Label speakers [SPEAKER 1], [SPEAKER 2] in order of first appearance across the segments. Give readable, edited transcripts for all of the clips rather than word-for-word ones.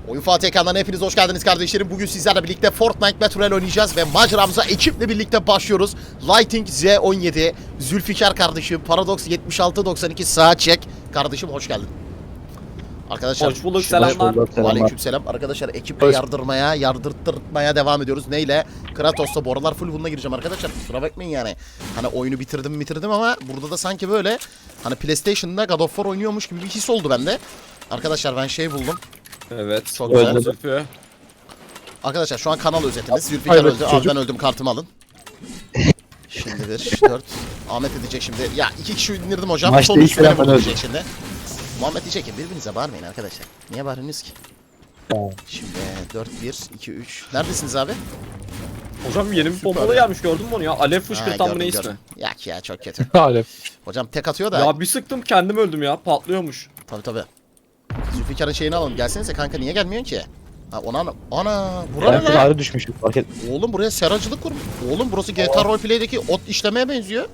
[SPEAKER 1] Oyun Fatih ekranlarına hepiniz hoş geldiniz kardeşlerim. Bugün sizlerle birlikte Fortnite Battle Royale oynayacağız ve maceramıza ekiple birlikte başlıyoruz. Lighting Z17, Zülfikar kardeşim, Paradox 7692 sağa çek. Kardeşim hoş geldin. Arkadaşlar
[SPEAKER 2] hoş bulduk, selamlar.
[SPEAKER 1] Aleykümselam. Arkadaşlar ekiple yardırtmaya devam ediyoruz. Neyle? Kratos'ta bu aralar full bununla gireceğim arkadaşlar. Kusura bakmayın yani. Hani oyunu bitirdim ama burada da sanki böyle hani PlayStation'da God of War oynuyormuş gibi bir his oldu bende. Arkadaşlar ben şey buldum.
[SPEAKER 2] Evet.
[SPEAKER 1] Çok güzel.
[SPEAKER 2] Zülfü.
[SPEAKER 1] Arkadaşlar şu an kanal özetimiz. Zülfikar
[SPEAKER 3] Evet,
[SPEAKER 1] öldü. Abi
[SPEAKER 3] çocuk.
[SPEAKER 1] ben öldüm, kartımı alın. Şimdi 1, 4. Ahmet edecek şimdi. Ya 2 kişi indirdim hocam.
[SPEAKER 3] Maçta
[SPEAKER 1] Son
[SPEAKER 3] ilk
[SPEAKER 1] üstüne
[SPEAKER 3] ben
[SPEAKER 1] vurulacak şimdi. Muhammed diyecek ki birbirinize bağırmayın arkadaşlar. Niye bağırıyorsunuz ki?
[SPEAKER 3] Tamam.
[SPEAKER 1] Şimdi 4, 1, 2, 3. Neredesiniz abi?
[SPEAKER 2] Hocam yeni bir
[SPEAKER 1] Süper
[SPEAKER 2] pompalı
[SPEAKER 1] ya.
[SPEAKER 2] gelmiş, gördün mü onu ya? Alev fışkırtan mı ne ismi?
[SPEAKER 1] Yak ya çok kötü.
[SPEAKER 3] Alev.
[SPEAKER 1] Hocam tek atıyor da.
[SPEAKER 2] Ya bir sıktım kendim öldüm ya, patlıyormuş.
[SPEAKER 1] Tabii. Zülfikar'ın şeyini alalım. Gelsenize kanka, niye gelmiyorsun ki? Ha ona buraya
[SPEAKER 3] Ben
[SPEAKER 1] ne?
[SPEAKER 3] ağrı düşmüş fark et.
[SPEAKER 1] Oğlum buraya seracılık kurmuş. Oğlum burası GTA Roleplay'deki ot işlemeye benziyor.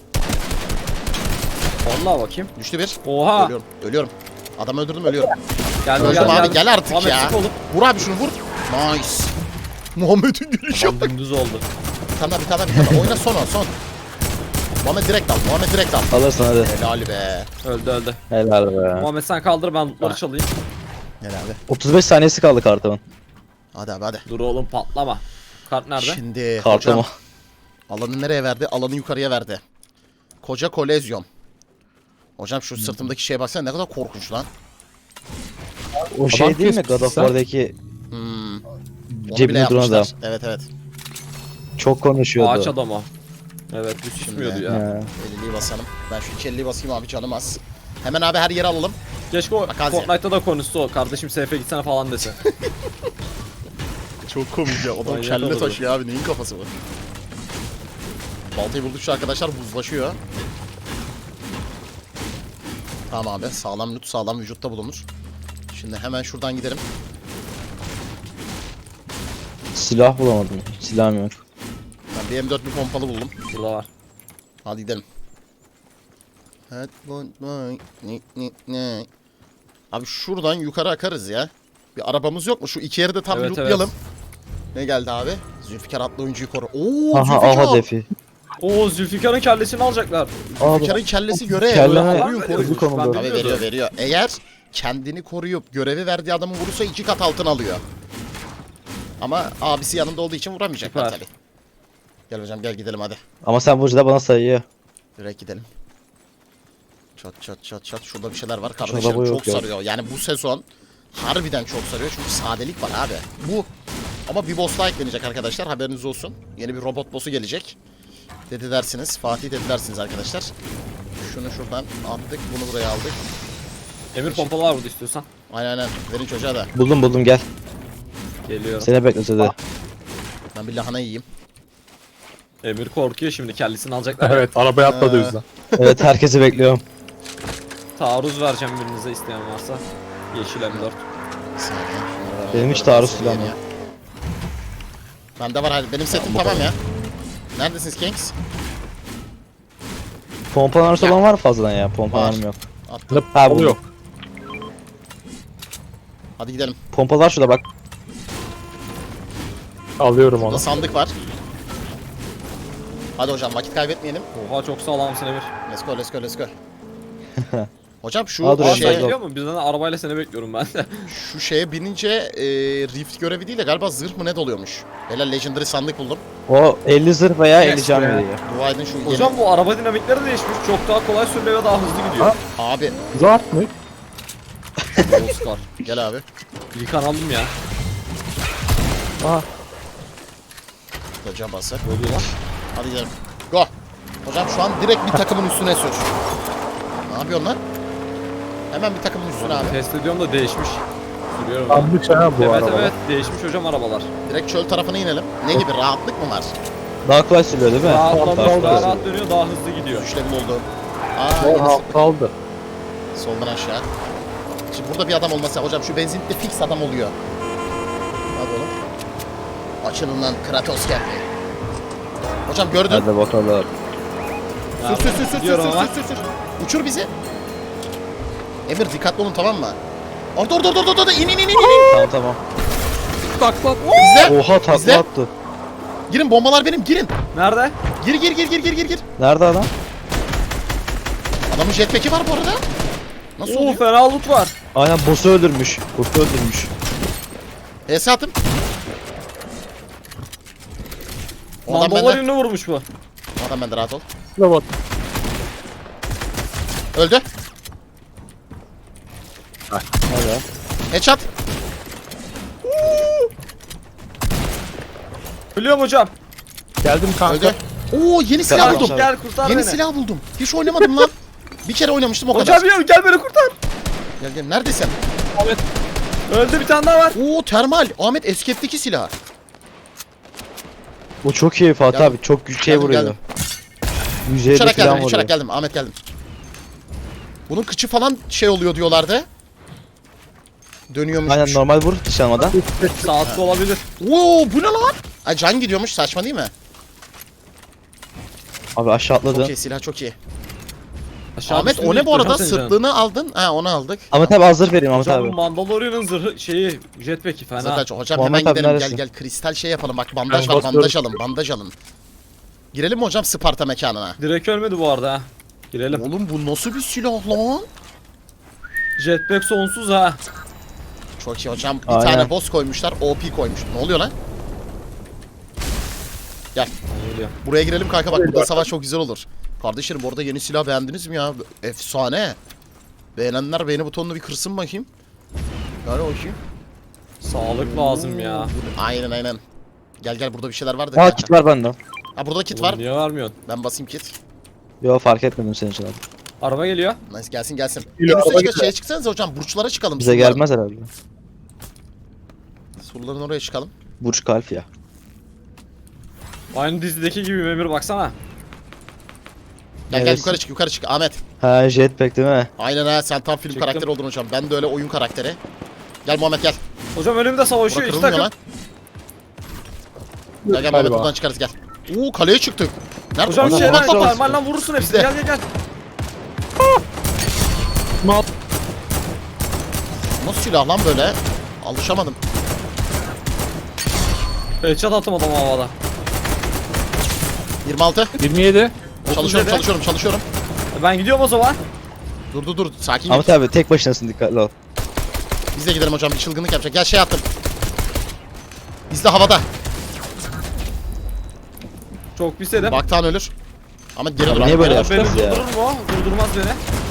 [SPEAKER 2] Vallahi bakayım.
[SPEAKER 1] Düştü bir.
[SPEAKER 2] Oha.
[SPEAKER 1] Ölüyorum. Adam öldürdüm, ölüyorum.
[SPEAKER 2] Geldi
[SPEAKER 1] Öldüm abi, gel artık
[SPEAKER 2] Muhammed
[SPEAKER 1] ya.
[SPEAKER 2] sık oğlum.
[SPEAKER 1] Vur abi şunu, vur. Nice. Muhammed'in gülüşü
[SPEAKER 2] Adam
[SPEAKER 1] bak.
[SPEAKER 2] dümdüz oldu.
[SPEAKER 1] Bir tane daha. Oyna son. Muhammed direkt al.
[SPEAKER 3] Alırsın hadi.
[SPEAKER 1] Helal be.
[SPEAKER 2] Öldü.
[SPEAKER 3] Helal be.
[SPEAKER 2] Muhammed sen kaldır, ben lootları
[SPEAKER 1] Ha.
[SPEAKER 2] çalayım.
[SPEAKER 1] Helal be.
[SPEAKER 3] 35 saniyesi kaldı kartımın.
[SPEAKER 1] Hadi.
[SPEAKER 2] Dur oğlum, patlama. Kart nerede?
[SPEAKER 1] Şimdi
[SPEAKER 3] Kartımı.
[SPEAKER 1] hocam alanı nereye verdi? Alanı yukarıya verdi. Koca kolezyon. Hocam şu sırtımdaki şeye baksana, ne kadar korkunç lan.
[SPEAKER 3] O şey değil mi God of War'daki
[SPEAKER 1] Onu bile
[SPEAKER 3] cebine duran adam.
[SPEAKER 1] yapmışlar. Evet.
[SPEAKER 3] Çok konuşuyordu.
[SPEAKER 2] Ağaç adam o. Evet, düz susmuyordu ya.
[SPEAKER 3] Ya.
[SPEAKER 1] 50'liyi basalım. Ben şu 250'yi basayım abi, canım az. Hemen abi her yeri alalım.
[SPEAKER 2] Keşke o
[SPEAKER 1] Bak,
[SPEAKER 2] Fortnite'da da konuşsa o. Kardeşim SF'ye gitsene falan dese.
[SPEAKER 1] Çok komik ya. Adam
[SPEAKER 2] Manyak
[SPEAKER 1] kelle
[SPEAKER 2] olurdu.
[SPEAKER 1] taşıyor abi. Neyin kafası bu? Baltayı buldukça arkadaşlar buzlaşıyor. Tamam abi. Sağlam loot, sağlam vücutta bulunur. Şimdi hemen şuradan gidelim.
[SPEAKER 3] Silah bulamadım. Silahım yok.
[SPEAKER 1] Ben bir M4 bir pompalı buldum.
[SPEAKER 2] Burada var.
[SPEAKER 1] Hadi gidelim. Abi şuradan yukarı akarız ya. Bir arabamız yok mu? Şu iki yeri de tam
[SPEAKER 2] Evet,
[SPEAKER 1] lootlayalım. Ne geldi abi? Zülfikar adlı oyuncuyu koru. Oo,
[SPEAKER 3] Aha
[SPEAKER 1] Zülfikar.
[SPEAKER 3] defi.
[SPEAKER 2] Oo, Zülfikar'ın kellesini alacaklar.
[SPEAKER 1] Zülfikar'ın kellesi görev.
[SPEAKER 3] Kelleme
[SPEAKER 1] Koruyun.
[SPEAKER 3] öldü konuda.
[SPEAKER 1] Tabii veriyor. Eğer kendini koruyup görevi verdiği adamı vurursa 2 kat altın alıyor. Ama abisi yanında olduğu için vuramayacaklar
[SPEAKER 2] Süper.
[SPEAKER 1] tabii. Gel hocam, gel gidelim hadi.
[SPEAKER 3] Ama sen bu da bana sayıyor.
[SPEAKER 1] Direkt gidelim. Çat. Şurada bir şeyler var.
[SPEAKER 3] Şurada
[SPEAKER 1] Kardeşlerim
[SPEAKER 3] bu
[SPEAKER 1] çok
[SPEAKER 3] yok ya.
[SPEAKER 1] sarıyor. Yani bu sezon harbiden çok sarıyor. Çünkü sadelik var abi. Bu. Ama bir boss daha eklenecek arkadaşlar. Haberiniz olsun. Yeni bir robot boss'u gelecek. Dedi dersiniz. Fatih dedi dersiniz arkadaşlar. Şunu şuradan attık. Bunu buraya aldık.
[SPEAKER 2] Emir pompalı var burada istiyorsan.
[SPEAKER 1] Aynen. Verin çocuğa da.
[SPEAKER 3] Buldum gel.
[SPEAKER 2] Geliyorum.
[SPEAKER 3] Seni beklese de.
[SPEAKER 1] Ben bir lahana yiyeyim.
[SPEAKER 2] Emir korkuyor şimdi, kellesini alacaklar.
[SPEAKER 4] Evet, arabaya atladı o yüzden.
[SPEAKER 3] Evet herkesi bekliyorum.
[SPEAKER 2] Taarruz vereceğim birinize, isteyen varsa. Yeşil M4.
[SPEAKER 1] Bir saniye. Şunları
[SPEAKER 3] Benim
[SPEAKER 1] ben
[SPEAKER 3] hiç
[SPEAKER 1] böyle
[SPEAKER 3] taarruz
[SPEAKER 1] seveyim
[SPEAKER 3] silahım
[SPEAKER 1] ya. Bende var hadi. Benim setim tamam ya. Neredesiniz Kings?
[SPEAKER 3] Pompa arası olan var mı fazladan ya? Pompa
[SPEAKER 1] Var.
[SPEAKER 3] arım yok.
[SPEAKER 1] Attım.
[SPEAKER 3] Ha
[SPEAKER 4] Oluyor.
[SPEAKER 3] bu.
[SPEAKER 1] Hadi gidelim.
[SPEAKER 3] Pompalar şurada bak.
[SPEAKER 4] Alıyorum
[SPEAKER 1] Burada
[SPEAKER 4] onu.
[SPEAKER 1] sandık var. Hadi hocam vakit kaybetmeyelim.
[SPEAKER 2] Oha, çok sağlamsın Emir.
[SPEAKER 1] Let's go. Hocam şu
[SPEAKER 3] Hadi
[SPEAKER 2] Aa,
[SPEAKER 3] hocam.
[SPEAKER 2] sen
[SPEAKER 1] şeye,
[SPEAKER 2] gidiyor mu? Bizden de arabayla seni bekliyorum ben de.
[SPEAKER 1] şu şeye binince Rift görevi değil de galiba zırh mı ne doluyormuş. Helal, Legendary sandık buldum.
[SPEAKER 3] O 50 zırh veya
[SPEAKER 2] Yes
[SPEAKER 3] 50 can
[SPEAKER 2] be.
[SPEAKER 3] veriyor.
[SPEAKER 1] Dua edin şu yeni.
[SPEAKER 2] Hocam bu araba dinamikleri değişmiş. Çok daha kolay sürülüyor ve daha hızlı gidiyor.
[SPEAKER 1] Abi
[SPEAKER 4] Zart mı?
[SPEAKER 2] Oscar.
[SPEAKER 1] gel abi.
[SPEAKER 2] Yıkan aldım ya.
[SPEAKER 3] Aha.
[SPEAKER 1] Hocam basar.
[SPEAKER 2] Ne oluyor lan?
[SPEAKER 1] Hadi gidelim. Go. Hocam şu an direkt bir takımın üstüne sür. Ne yapıyorsun lan? Hemen bir takımın üstüne abi.
[SPEAKER 2] Test ediyorum da değişmiş. Sürüyorum.
[SPEAKER 4] Sandık ha bu
[SPEAKER 2] Evet
[SPEAKER 4] araba.
[SPEAKER 2] evet, değişmiş hocam arabalar.
[SPEAKER 1] Direkt çöl tarafına inelim. Ne gibi, rahatlık mı var?
[SPEAKER 3] Daha kolay sürüyor değil mi?
[SPEAKER 2] Rahatlamış,
[SPEAKER 4] Tamam,
[SPEAKER 2] daha
[SPEAKER 4] tamam.
[SPEAKER 2] rahat dönüyor, daha hızlı gidiyor.
[SPEAKER 1] Güçlerim oldu.
[SPEAKER 4] O
[SPEAKER 1] Yeni
[SPEAKER 4] kaldı.
[SPEAKER 1] soldan aşağı. Şimdi burada bir adam olmasa hocam, şu benzinlikte fix adam oluyor. Hadi oğlum. Açılın lan, Kratos geldi. Hocam gördün.
[SPEAKER 3] Hadi bakalım.
[SPEAKER 1] Sür.
[SPEAKER 2] Gidiyorum ama.
[SPEAKER 1] Uçur bizi. Emir dikkatli olun, tamam mı? Orada. İn.
[SPEAKER 3] Tamam tamam.
[SPEAKER 2] Bak bak.
[SPEAKER 1] İzle.
[SPEAKER 3] Oha takla
[SPEAKER 1] İzle.
[SPEAKER 3] attı.
[SPEAKER 1] Girin, bombalar benim, girin.
[SPEAKER 2] Nerede?
[SPEAKER 1] Gir.
[SPEAKER 3] Nerede adam?
[SPEAKER 1] Adamın jetpack'i var bu arada. Nasıl
[SPEAKER 2] Oo
[SPEAKER 1] oluyor?
[SPEAKER 2] fena loot var.
[SPEAKER 3] Aynen boss'u öldürmüş. Boss'u öldürmüş.
[SPEAKER 1] HS attım. O adam bende.
[SPEAKER 2] Mandalorian'ı vurmuş bu.
[SPEAKER 1] O adam bende, rahat ol.
[SPEAKER 4] Robot.
[SPEAKER 1] Öldü.
[SPEAKER 3] Hadi.
[SPEAKER 1] Headshot.
[SPEAKER 2] Biliyorum hocam.
[SPEAKER 4] Geldim kanka.
[SPEAKER 1] Öldü. Oo, yeni silah
[SPEAKER 3] Tamam.
[SPEAKER 1] buldum.
[SPEAKER 2] Gel kurtar
[SPEAKER 1] Yeni
[SPEAKER 2] beni.
[SPEAKER 1] silah buldum. Hiç oynamadım lan. Bir kere oynamıştım, o kadar.
[SPEAKER 2] Hocam ya gel beni kurtar.
[SPEAKER 1] Gel, neredesin?
[SPEAKER 2] Öldü bir tane daha var.
[SPEAKER 1] Oo, termal. Ahmet Eskep'teki silah.
[SPEAKER 3] O çok iyi Fatih
[SPEAKER 1] Geldim.
[SPEAKER 3] abi. Çok şey
[SPEAKER 1] Geldim,
[SPEAKER 3] vuruyor.
[SPEAKER 1] geldim.
[SPEAKER 3] Yüzeye de
[SPEAKER 1] Uçarak
[SPEAKER 3] falan
[SPEAKER 1] geldim,
[SPEAKER 3] vuruyor.
[SPEAKER 1] uçarak geldim. Ahmet geldim. Bunun kıçı falan şey oluyor diyorlardı. Dönüyormuş.
[SPEAKER 3] Aynen normal vur dışarıdan.
[SPEAKER 2] Saatli olabilir.
[SPEAKER 1] Oo, bu ne lan? Ay, can gidiyormuş, saçma değil mi?
[SPEAKER 3] Abi aşağı
[SPEAKER 1] Çok
[SPEAKER 3] atladı.
[SPEAKER 1] iyi, silah çok iyi.
[SPEAKER 2] Aşağı
[SPEAKER 1] Ahmet,
[SPEAKER 2] düştüm
[SPEAKER 1] o ne
[SPEAKER 2] değil,
[SPEAKER 1] bu arada?
[SPEAKER 2] hocam senin canın.
[SPEAKER 1] Sırtlığını aldın. Ha, onu aldık.
[SPEAKER 3] Ahmet abi hazır vereyim Ahmet
[SPEAKER 2] Hocam
[SPEAKER 3] abi.
[SPEAKER 2] bu Mandalorian'ın zırhı şeyi jetpack'i fena.
[SPEAKER 1] Zaten hocam
[SPEAKER 3] Muhammed
[SPEAKER 1] hemen
[SPEAKER 3] abi
[SPEAKER 1] gidelim.
[SPEAKER 3] neredesin?
[SPEAKER 1] Gel kristal şey yapalım. Bak, bandaj
[SPEAKER 4] Ben
[SPEAKER 1] var, bandaj
[SPEAKER 4] basıyorum.
[SPEAKER 1] alın, bandaj alın. Girelim mi hocam Sparta mekanına?
[SPEAKER 2] Direkt ölmedi bu arada ha. Girelim.
[SPEAKER 1] Oğlum, bu nasıl bir silah lan?
[SPEAKER 2] Jetpack sonsuz ha.
[SPEAKER 1] Çok iyi hocam. Bir
[SPEAKER 3] Aynen.
[SPEAKER 1] tane boss koymuşlar. OP koymuş. Ne oluyor lan?
[SPEAKER 2] Geliyor.
[SPEAKER 1] Buraya girelim kanka, bak burada savaş çok güzel olur. Kardeşlerim, bu arada yeni silah beğendiniz mi ya? Efsane. Beğenenler beğeni butonunu bir kırsın bakayım. Yani bakayım.
[SPEAKER 2] Sağlık lazım ya.
[SPEAKER 1] Aynen. Gel burada bir şeyler var da.
[SPEAKER 3] Aa kit var bende.
[SPEAKER 1] Ha, burada kit
[SPEAKER 2] Oğlum
[SPEAKER 1] var.
[SPEAKER 2] niye vermiyorsun?
[SPEAKER 1] Ben basayım kit.
[SPEAKER 3] Yo fark etmedim senin için abi.
[SPEAKER 2] Araba geliyor.
[SPEAKER 1] Nice, gelsin. En
[SPEAKER 4] Geliyor,
[SPEAKER 1] üstte
[SPEAKER 4] araba
[SPEAKER 1] şeye çıksanıza hocam, burçlara çıkalım.
[SPEAKER 3] Bize
[SPEAKER 1] surların.
[SPEAKER 3] gelmez herhalde.
[SPEAKER 1] Surların oraya çıkalım.
[SPEAKER 3] Burç kalp ya.
[SPEAKER 2] Aynı dizideki gibi Memir baksana.
[SPEAKER 1] Gel
[SPEAKER 3] Neresi?
[SPEAKER 1] yukarı çık Ahmet.
[SPEAKER 3] Ha jetpack değil mi?
[SPEAKER 1] Aynen ha, sen tam film
[SPEAKER 2] Çıktım.
[SPEAKER 1] karakteri oldun hocam. Ben de öyle oyun karakteri. Gel Muhammed gel.
[SPEAKER 2] Hocam önümde
[SPEAKER 1] Bura
[SPEAKER 2] savaşıyor iki
[SPEAKER 1] kırılmıyor
[SPEAKER 2] takım.
[SPEAKER 1] lan. Gel Muhammed, buradan çıkarız gel. Oo, kaleye çıktık. Nerede?
[SPEAKER 2] Hocam
[SPEAKER 1] Adam-
[SPEAKER 2] şeyler
[SPEAKER 1] Bak, bak, bak.
[SPEAKER 2] parmağıyla vurursun hepsini.
[SPEAKER 1] Bizde.
[SPEAKER 2] Gel.
[SPEAKER 1] Nasıl silah lan böyle? Alışamadım.
[SPEAKER 2] Headshot attım adamı havada.
[SPEAKER 1] 26.
[SPEAKER 4] 27.
[SPEAKER 1] Çalışıyorum,
[SPEAKER 2] dedi.
[SPEAKER 1] çalışıyorum.
[SPEAKER 2] Ben gidiyorum o zaman.
[SPEAKER 1] Dur. Sakin ol.
[SPEAKER 3] Ahmet abi tek başınasın dikkatli ol.
[SPEAKER 1] Biz de gidelim hocam, bir çılgınlık yapacak. Gel şey attım. İzle havada.
[SPEAKER 2] Çok pis yedim.
[SPEAKER 1] Baktan ölür. Ama geri dur.
[SPEAKER 3] niye
[SPEAKER 1] Ahmet,
[SPEAKER 3] böyle
[SPEAKER 1] geri dur.
[SPEAKER 2] Beni
[SPEAKER 3] yaptınız ya?
[SPEAKER 2] durdurur mu? Durdurmaz beni.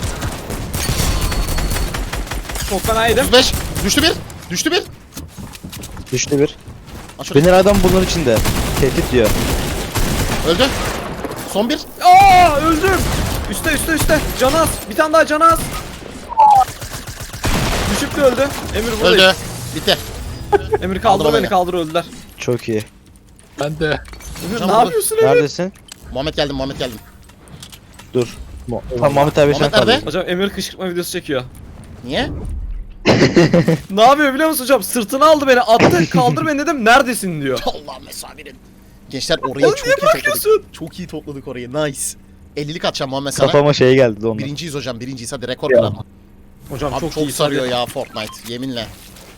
[SPEAKER 2] Çok fena yedim.
[SPEAKER 1] 35. Düştü bir.
[SPEAKER 3] Düştü bir.
[SPEAKER 1] Aç şurayı.
[SPEAKER 3] Benim adam bunun içinde. Tehdit diyor.
[SPEAKER 1] Öldü. Son bir.
[SPEAKER 2] Aa öldüm. Üste. Canı az. Bir tane daha canı az. Düşüp de öldü. Emir buradayım.
[SPEAKER 1] Öldü. Bitti.
[SPEAKER 2] Emir
[SPEAKER 1] Kaldır
[SPEAKER 2] kaldır beni
[SPEAKER 1] beni.
[SPEAKER 2] kaldır öldüler.
[SPEAKER 3] Çok iyi.
[SPEAKER 4] Ben de.
[SPEAKER 2] Emir
[SPEAKER 1] Hocam
[SPEAKER 2] ne
[SPEAKER 1] burada-
[SPEAKER 2] yapıyorsun Emir?
[SPEAKER 3] Neredesin?
[SPEAKER 1] Muhammed geldim.
[SPEAKER 3] Dur. Tamam Ahmet abi sen
[SPEAKER 1] Ahmet nerede?
[SPEAKER 3] kal.
[SPEAKER 2] Hocam Emir kışkırtma videosu çekiyor.
[SPEAKER 1] Niye?
[SPEAKER 2] Ne yapıyor biliyor musun hocam? Sırtına aldı beni attı kaldır beni dedim neredesin diyor.
[SPEAKER 1] Allah mesabirin. Gençler, orayı
[SPEAKER 2] Oğlum
[SPEAKER 1] çok
[SPEAKER 2] niye
[SPEAKER 1] iyi topladık.
[SPEAKER 2] bırakıyorsun?
[SPEAKER 1] Çok iyi topladık orayı. Nice. 50'lik atacağım Muhammed sana.
[SPEAKER 3] Kafama şey geldi de ondan.
[SPEAKER 1] Birinciyiz hocam. Birinciyiz. Hadi rekor kıralım.
[SPEAKER 2] Hocam
[SPEAKER 1] Abi çok
[SPEAKER 2] iyi
[SPEAKER 1] sarıyor
[SPEAKER 2] sarıyor.
[SPEAKER 1] ya Fortnite. Yeminle.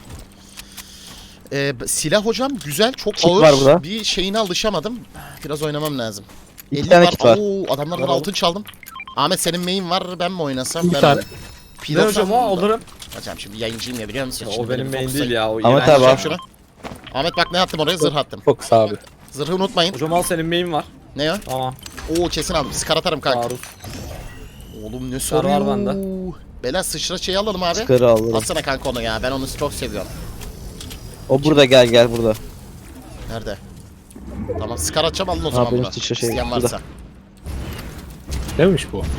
[SPEAKER 1] Silah hocam güzel. Çok
[SPEAKER 3] Kit
[SPEAKER 1] ağır.
[SPEAKER 3] var burada.
[SPEAKER 1] Bir şeyine alışamadım. Biraz oynamam lazım.
[SPEAKER 3] 2
[SPEAKER 1] 50
[SPEAKER 3] tane
[SPEAKER 1] var.
[SPEAKER 3] kit var.
[SPEAKER 1] Oo, adamlardan altın çaldım. Ahmet, senin main var. Ben mi oynasam?
[SPEAKER 4] Bir
[SPEAKER 1] Ben
[SPEAKER 4] tane.
[SPEAKER 2] Ne hocam o alırım.
[SPEAKER 1] Hocam şimdi yayıncıyım ya, biliyor musun?
[SPEAKER 2] Ya,
[SPEAKER 1] Şimdi
[SPEAKER 2] o benim
[SPEAKER 1] bir
[SPEAKER 2] main
[SPEAKER 1] fokusla-
[SPEAKER 2] değil ya o
[SPEAKER 3] Ahmet
[SPEAKER 2] iğrenç.
[SPEAKER 3] abi,
[SPEAKER 1] Hocam
[SPEAKER 3] al.
[SPEAKER 1] şunu. Ahmet bak ne attım oraya? Zırh attım.
[SPEAKER 4] Fokus abi.
[SPEAKER 1] Zırhı unutmayın.
[SPEAKER 2] Hocam al senin main var.
[SPEAKER 1] Ne o?
[SPEAKER 2] Tamam.
[SPEAKER 1] Oo, kesin aldım. Skar atarım kanka.
[SPEAKER 2] Taarruz.
[SPEAKER 1] Oğlum ne
[SPEAKER 2] Skar var
[SPEAKER 1] soruyor?
[SPEAKER 2] bende.
[SPEAKER 1] Bela sıçra şeyi alalım abi.
[SPEAKER 3] Çıkarı alırım.
[SPEAKER 1] Atsana kanka onu ya. Ben onu çok seviyorum.
[SPEAKER 3] O burada gel burada.
[SPEAKER 1] Nerede? Tamam, skar atacağım, alın o zaman
[SPEAKER 3] benim
[SPEAKER 1] bunu.
[SPEAKER 3] sıçra şey
[SPEAKER 1] İsteyen
[SPEAKER 3] burada.
[SPEAKER 1] varsa.
[SPEAKER 4] Neymiş bu?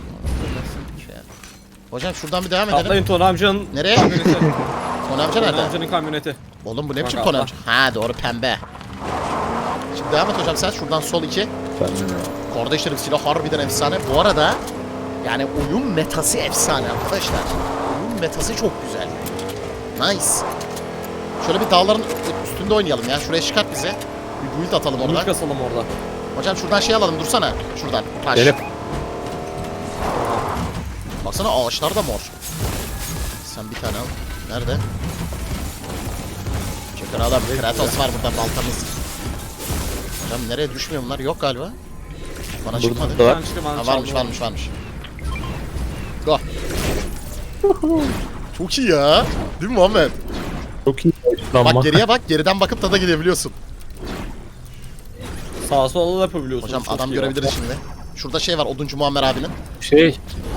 [SPEAKER 1] Hocam şuradan bir devam edelim.
[SPEAKER 2] Atlayın Tony amcanın
[SPEAKER 1] Nereye?
[SPEAKER 2] kamyoneti.
[SPEAKER 1] Tony amca
[SPEAKER 2] Tony
[SPEAKER 1] nerede?
[SPEAKER 2] amcanın kamyoneti.
[SPEAKER 1] Oğlum bu ne biçim
[SPEAKER 2] Bak,
[SPEAKER 1] Tony
[SPEAKER 2] atla.
[SPEAKER 1] amca? Ha doğru, pembe. Şimdi devam et hocam sen. Şuradan sol 2. Kardeşlerim, silah harbiden efsane. Bu arada yani oyun metası efsane arkadaşlar. Oyun metası çok güzel. Nice. Şöyle bir dağların üstünde oynayalım ya. Şuraya çıkart bize. Bir build atalım
[SPEAKER 2] Bunu
[SPEAKER 1] orada.
[SPEAKER 2] kasalım orada.
[SPEAKER 1] Hocam şuradan şey alalım, dursana. Şuradan. Taş.
[SPEAKER 4] Gelip.
[SPEAKER 1] Baksana ağaçlar da mor. Sen bir tane al. Nerede? Kralım Kratos var burada baltamız. Hocam nereye düşmüyor bunlar? Yok galiba. Bana çıkmadı.
[SPEAKER 3] da var.
[SPEAKER 2] Ben çıktım, ben
[SPEAKER 1] Ha,
[SPEAKER 2] çaldım.
[SPEAKER 1] varmış. Go. Çok iyi ya. Değil mi Muhammed?
[SPEAKER 4] Çok iyi ışınlanma.
[SPEAKER 1] Bak geriye bak. Geriden bakıp tada gidebiliyorsun.
[SPEAKER 2] Sağa sola da yapabiliyorsun.
[SPEAKER 1] Hocam
[SPEAKER 2] çok
[SPEAKER 1] adam
[SPEAKER 2] iyi.
[SPEAKER 1] görebiliriz şimdi. Şurada şey var Oduncu Muammer abinin.
[SPEAKER 4] Şey,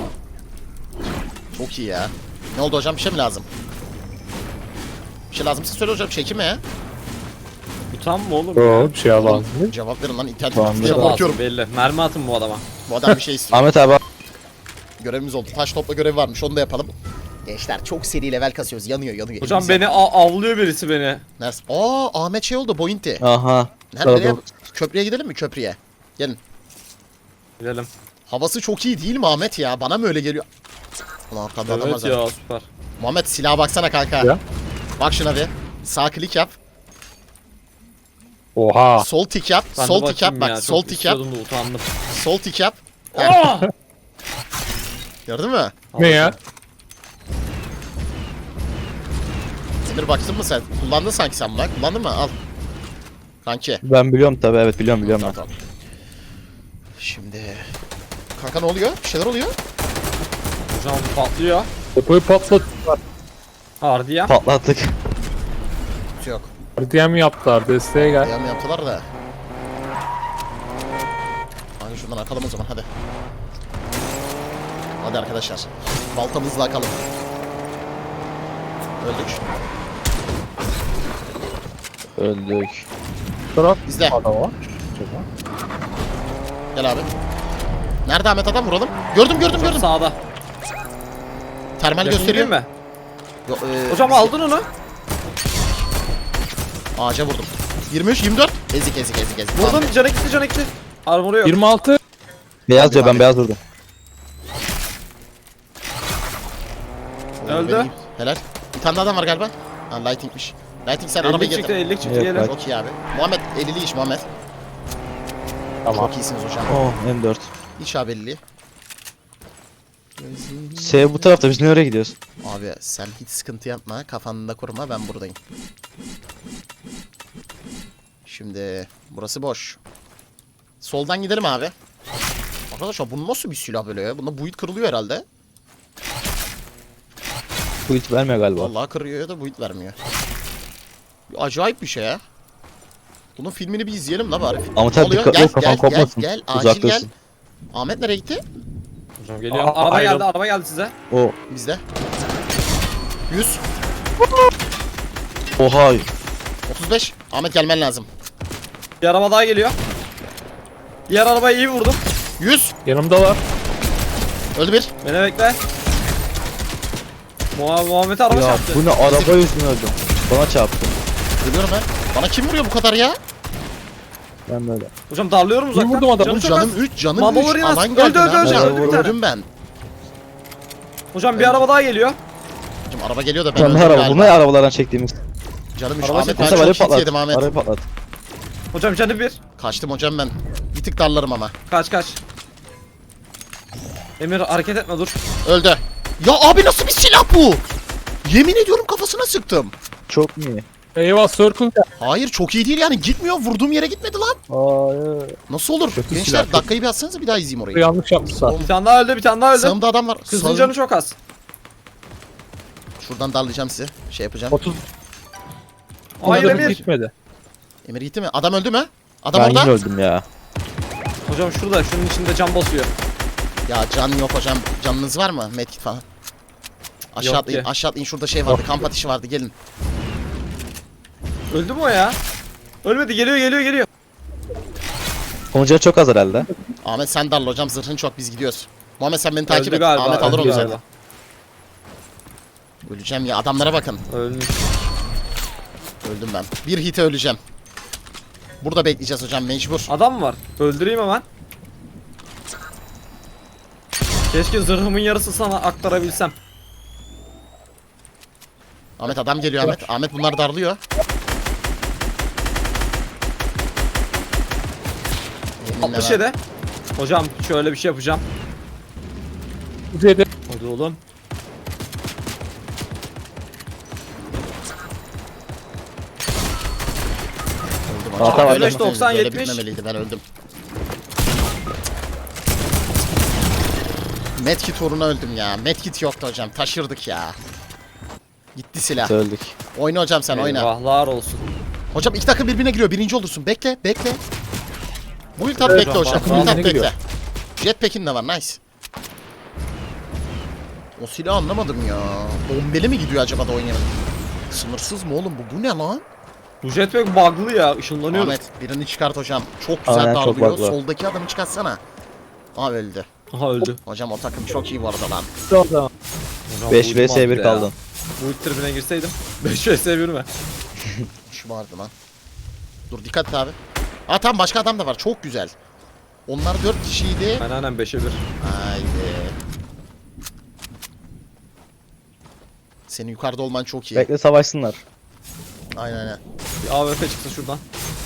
[SPEAKER 1] Çok iyi ya. Ne oldu hocam? Bir şey mi lazım? Bir şey lazımsa söyle hocam. Çekime ya.
[SPEAKER 2] Bu tam mı oğlum?
[SPEAKER 4] o bir şey lazım.
[SPEAKER 1] Cevap verin lan. İnternet
[SPEAKER 3] Tamam,
[SPEAKER 1] diye
[SPEAKER 2] Çok
[SPEAKER 1] korkuyorum.
[SPEAKER 2] lazım belli. Mermi atın bu adama.
[SPEAKER 1] Bu adam bir şey istiyor.
[SPEAKER 3] Ahmet abi
[SPEAKER 1] Görevimiz oldu. Taş topla görevi varmış. Onu da yapalım. Gençler çok seri level kasıyoruz. Yanıyor.
[SPEAKER 2] Hocam
[SPEAKER 1] Elimiz
[SPEAKER 2] beni
[SPEAKER 1] yanıyor.
[SPEAKER 2] avlıyor birisi beni.
[SPEAKER 1] Neresi? Ahmet şey oldu. Bointi.
[SPEAKER 3] aha.
[SPEAKER 1] Nereye? Köprüye gidelim mi? Köprüye. Gelin.
[SPEAKER 2] Gidelim.
[SPEAKER 1] Havası çok iyi değil mi Ahmet ya? Bana mı öyle geliyor? Ulan arkada adam var
[SPEAKER 2] Evet
[SPEAKER 1] zaten.
[SPEAKER 2] ya süper.
[SPEAKER 1] Muhammed silaha baksana kanka.
[SPEAKER 4] Ya.
[SPEAKER 1] Bak şuna bir. Sağ klik yap.
[SPEAKER 4] Oha.
[SPEAKER 1] Sol tik yap.
[SPEAKER 2] Ben de
[SPEAKER 1] Sol tik yap.
[SPEAKER 2] bakayım
[SPEAKER 1] Bak
[SPEAKER 2] ya,
[SPEAKER 1] sol
[SPEAKER 2] çok
[SPEAKER 1] tik yap.
[SPEAKER 2] istiyordum da utandım.
[SPEAKER 1] Sol tik yap.
[SPEAKER 2] Aa!
[SPEAKER 1] Gördün mü?
[SPEAKER 4] Ne ya?
[SPEAKER 1] Emir baktın mı sen? Kullandın sanki sen bunu. Kullandın mı? Al. Kanki.
[SPEAKER 3] Ben biliyorum tabi, evet biliyorum ben.
[SPEAKER 1] Tamam. Şimdi... Kanka ne oluyor? Bir şeyler oluyor.
[SPEAKER 2] Hocam patlıyor.
[SPEAKER 4] Depoyu patlattılar.
[SPEAKER 2] Hardi ya.
[SPEAKER 3] Patlattık.
[SPEAKER 1] Yok.
[SPEAKER 4] RDM yaptılar. Desteğe gel.
[SPEAKER 1] Yam yaptılar da. Hadi şuradan akalım o zaman hadi. Hadi arkadaşlar. Baltamızla akalım. Öldük.
[SPEAKER 3] Öldük.
[SPEAKER 4] Taraf
[SPEAKER 1] İzle.
[SPEAKER 4] adam var.
[SPEAKER 1] Gel abi. Nerede Ahmet adam vuralım? Gördüm.
[SPEAKER 2] Hocam sağda.
[SPEAKER 1] Termal
[SPEAKER 2] Yakın
[SPEAKER 1] gösteriyor.
[SPEAKER 2] değil mi?
[SPEAKER 1] Yo,
[SPEAKER 2] Hocam aldın onu.
[SPEAKER 1] Ağaca vurdum. 23, 24. Ezik.
[SPEAKER 2] Vurdum can ekti. Armoru yok.
[SPEAKER 4] 26.
[SPEAKER 3] Beyaz diyor,
[SPEAKER 1] Abi.
[SPEAKER 3] ben beyaz vurdum.
[SPEAKER 2] Öldü.
[SPEAKER 1] Benim- Helal. Bir tane daha adam var galiba. Ha Lighting'miş. Lighting sen
[SPEAKER 2] 50
[SPEAKER 1] arabayı
[SPEAKER 2] çıktı
[SPEAKER 1] getir.
[SPEAKER 2] 50 çıktı
[SPEAKER 3] Yok,
[SPEAKER 2] gelin.
[SPEAKER 3] bak.
[SPEAKER 1] Çok iyi abi. Muhammed 50'li iş Muhammed.
[SPEAKER 4] Tamam.
[SPEAKER 1] Çok iyisiniz hocam.
[SPEAKER 3] Oh M4.
[SPEAKER 1] İş abi 50'li.
[SPEAKER 3] S bu tarafta, biz nereye gidiyoruz?
[SPEAKER 1] Abi sen hiç sıkıntı yapma. Kafanda kurma ben buradayım. Şimdi burası boş. Soldan gidelim abi. Arkadaşlar bu nasıl bir silah böyle ya? Bunda build kırılıyor herhalde.
[SPEAKER 3] Bu hiç vermiyor galiba.
[SPEAKER 1] Vallahi kırıyor ya da build vermiyor. Acayip bir şey ya. Bunun filmini bir izleyelim la bari.
[SPEAKER 3] Ama
[SPEAKER 1] Ne
[SPEAKER 3] tabii
[SPEAKER 1] oluyor?
[SPEAKER 3] dikkatli ol, kafan kopmasın.
[SPEAKER 1] Gel, acil
[SPEAKER 3] Uzak
[SPEAKER 1] gel.
[SPEAKER 3] dursun.
[SPEAKER 1] Ahmet nereye gitti?
[SPEAKER 2] Hocam geliyor.
[SPEAKER 4] Aa,
[SPEAKER 2] Araba
[SPEAKER 4] ayrıl.
[SPEAKER 2] geldi araba geldi size.
[SPEAKER 3] O.
[SPEAKER 1] Bizde. 100,
[SPEAKER 3] Oha.
[SPEAKER 1] 35. Ahmet gelmen lazım.
[SPEAKER 2] Bir araba daha geliyor. Diğer arabayı iyi vurdum.
[SPEAKER 1] 100.
[SPEAKER 4] Yanımdalar.
[SPEAKER 1] Öldü bir.
[SPEAKER 2] Beni bekle. Muhammed'e araba
[SPEAKER 3] Ya
[SPEAKER 2] çarptı.
[SPEAKER 3] bu ne, araba yüzünden öldüm. Bana çarptı.
[SPEAKER 1] Ölüyorum ben. Bana kim vuruyor bu kadar ya?
[SPEAKER 3] Ben böyle.
[SPEAKER 2] Hocam darlıyorum uzaktan.
[SPEAKER 4] vurdum adamı?
[SPEAKER 2] Canım çok
[SPEAKER 1] Canım
[SPEAKER 2] az.
[SPEAKER 1] 3, canım
[SPEAKER 2] Mama
[SPEAKER 1] 3.
[SPEAKER 2] vuruyor.
[SPEAKER 1] Alan
[SPEAKER 2] Öldü,
[SPEAKER 1] geldi
[SPEAKER 2] öldü,
[SPEAKER 1] lan.
[SPEAKER 2] öldü,
[SPEAKER 1] Ben
[SPEAKER 2] öldü bir tane.
[SPEAKER 1] Öldüm ben.
[SPEAKER 2] Hocam bir araba daha geliyor.
[SPEAKER 1] Hocam araba geliyor da ben
[SPEAKER 3] Kendi
[SPEAKER 1] öldüm
[SPEAKER 3] araba.
[SPEAKER 1] galiba.
[SPEAKER 3] Bunlar arabalardan çektiğimiz.
[SPEAKER 1] Canım 3.
[SPEAKER 2] Araba
[SPEAKER 1] Ahmet
[SPEAKER 2] çekti.
[SPEAKER 1] ben
[SPEAKER 3] Bu sefer
[SPEAKER 1] çok hit yedim Ahmet.
[SPEAKER 3] Arayı patlat.
[SPEAKER 2] Hocam canı bir.
[SPEAKER 1] Kaçtım hocam ben. Bir tık darlarım ama.
[SPEAKER 2] Kaç. Emir hareket etme dur.
[SPEAKER 1] Öldü. Ya abi nasıl bir silah bu? Yemin ediyorum kafasına sıktım.
[SPEAKER 3] Çok mu iyi?
[SPEAKER 4] Eyvah circle.
[SPEAKER 1] Hayır çok iyi değil yani gitmiyor. Vurduğum yere gitmedi lan.
[SPEAKER 3] Hayır.
[SPEAKER 1] Nasıl olur?
[SPEAKER 4] Kötü
[SPEAKER 1] Gençler
[SPEAKER 4] silah, kötü.
[SPEAKER 1] dakikayı bir atsanıza bir daha izleyeyim orayı.
[SPEAKER 4] Yanlış yapmışlar.
[SPEAKER 2] Bir tane daha öldü bir tane daha öldü.
[SPEAKER 1] Sağımda adam var.
[SPEAKER 2] Kızın
[SPEAKER 1] Sağım-
[SPEAKER 2] canı çok az.
[SPEAKER 1] Şuradan darlayacağım sizi. Şey yapacağım.
[SPEAKER 4] 30.
[SPEAKER 2] Hayır
[SPEAKER 4] Ona da
[SPEAKER 2] Emir.
[SPEAKER 4] gitmedi.
[SPEAKER 1] Emir gitti mi? Adam öldü mü? Adam
[SPEAKER 3] Ben
[SPEAKER 1] orada.
[SPEAKER 3] yine öldüm ya.
[SPEAKER 2] Hocam şurada şunun içinde can basıyor.
[SPEAKER 1] Ya can yok hocam. Canınız var mı? Medkit falan. Aşağı
[SPEAKER 2] Yok
[SPEAKER 1] atlayın.
[SPEAKER 2] ki.
[SPEAKER 1] Aşağı atlayın. Şurada şey vardı. Kamp ateşi vardı. Gelin.
[SPEAKER 2] Öldü mü o ya? Ölmedi geliyor.
[SPEAKER 3] Sonucu çok az herhalde.
[SPEAKER 1] Ahmet sen darla hocam. Zırhın çok. Biz gidiyoruz. Muhammed sen beni takip
[SPEAKER 2] Öldü
[SPEAKER 1] et.
[SPEAKER 2] galiba.
[SPEAKER 1] Ahmet alır
[SPEAKER 2] öldü
[SPEAKER 1] onu
[SPEAKER 2] galiba.
[SPEAKER 1] zaten. Öleceğim ya. Adamlara bakın.
[SPEAKER 2] Ölmüş.
[SPEAKER 1] Öldüm ben. Bir hite öleceğim. Burada bekleyeceğiz hocam. Mecbur.
[SPEAKER 2] Adam mı var? Öldüreyim hemen. Keşke zırhımın yarısı sana aktarabilsem.
[SPEAKER 1] Ahmet adam geliyor Ahmet. Ahmet bunlar darlıyor. Yeminle
[SPEAKER 2] 67. Hocam şöyle bir şey yapacağım.
[SPEAKER 4] Kuzeyde.
[SPEAKER 2] Hadi oğlum.
[SPEAKER 3] tamam.
[SPEAKER 1] Öyle
[SPEAKER 2] 95, 90,
[SPEAKER 1] böyle
[SPEAKER 2] 70.
[SPEAKER 1] bitmemeliydi, ben öldüm. Medkit uğruna öldüm ya. Medkit yoktu hocam. Taşırdık ya. Gitti silah.
[SPEAKER 3] Öldük.
[SPEAKER 1] Oyna hocam sen oyna.
[SPEAKER 2] Eyvahlar olsun.
[SPEAKER 1] Hocam iki takım birbirine giriyor. Birinci olursun. Bekle bekle. Bu iltap
[SPEAKER 4] Evet,
[SPEAKER 1] bekle hocam.
[SPEAKER 2] takım
[SPEAKER 1] Bu iltap
[SPEAKER 4] birbirine
[SPEAKER 1] bekle.
[SPEAKER 4] giriyor.
[SPEAKER 1] Jetpack'in de var. Nice. O silahı anlamadım ya. Bombeli mi gidiyor acaba da oynayalım? Sınırsız mı oğlum bu? Bu ne lan?
[SPEAKER 2] Bu jetpack bug'lı ya. Işınlanıyor.
[SPEAKER 1] Ahmet birini çıkart hocam. Çok güzel
[SPEAKER 3] Aynen, çok
[SPEAKER 1] darlıyor.
[SPEAKER 3] bug'lı.
[SPEAKER 1] Soldaki adamı çıkartsana. Aa öldü.
[SPEAKER 2] Aha öldü.
[SPEAKER 1] Hocam o takım çok iyi bu arada lan.
[SPEAKER 4] Tamam.
[SPEAKER 2] Hocam,
[SPEAKER 3] 5
[SPEAKER 2] bu
[SPEAKER 3] vs
[SPEAKER 2] uyumaz
[SPEAKER 3] 1
[SPEAKER 2] bir de
[SPEAKER 3] kaldın.
[SPEAKER 2] ya. Bu ilk tribüne girseydim. 5 vs 1 mi?
[SPEAKER 1] Şu vardı lan. Dur dikkat et abi. Aa tamam başka adam da var. Çok güzel. Onlar 4 kişiydi.
[SPEAKER 2] Aynen 5'e 1.
[SPEAKER 1] Haydi. Senin yukarıda olman çok iyi.
[SPEAKER 3] Bekle savaşsınlar.
[SPEAKER 1] Aynen aynen.
[SPEAKER 2] Bir AWP çıksın şuradan.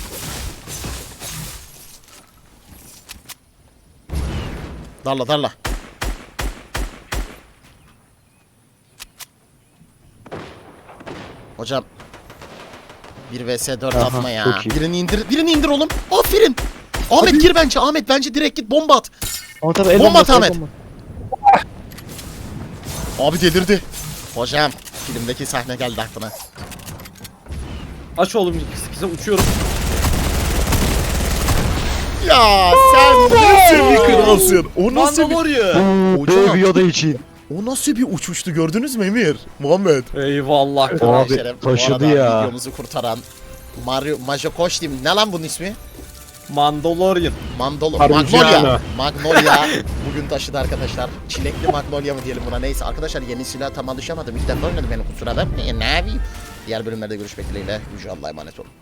[SPEAKER 1] Darla darla. Hocam. 1 vs 4
[SPEAKER 3] Aha,
[SPEAKER 1] atma ya.
[SPEAKER 3] çok iyi.
[SPEAKER 1] Birini indir oğlum. Aferin. Ahmet gir bence. Ahmet bence direkt git bomba at.
[SPEAKER 3] Ama tabii
[SPEAKER 1] Bomba at Ahmet. Abi delirdi. Hocam filmdeki sahne geldi aklına.
[SPEAKER 2] Aç oğlum size uçuyorum.
[SPEAKER 1] Ya sen nasıl bir kralsın? O nasıl bir...
[SPEAKER 2] Mandalorian.
[SPEAKER 1] Hocam
[SPEAKER 3] Yoda için.
[SPEAKER 1] o nasıl bir uçuştu gördünüz mü Emir? Muhammed.
[SPEAKER 2] Eyvallah.
[SPEAKER 3] Abi,
[SPEAKER 1] Şeref, bu
[SPEAKER 3] taşıdı
[SPEAKER 1] arada
[SPEAKER 3] ya.
[SPEAKER 1] Videomuzu kurtaran Majokoş diyeyim. Ne lan bunun ismi?
[SPEAKER 2] Mandalorian.
[SPEAKER 1] Magnolia. Magnolia. Bugün taşıdı arkadaşlar. Çilekli Magnolia mı diyelim buna, neyse. Arkadaşlar yeni silah tam alışamadım. İlk defa oynadım, beni kusura bakmayın. Ne yapayım? Diğer bölümlerde görüşmek dileğiyle. Yüce Allah'a emanet olun.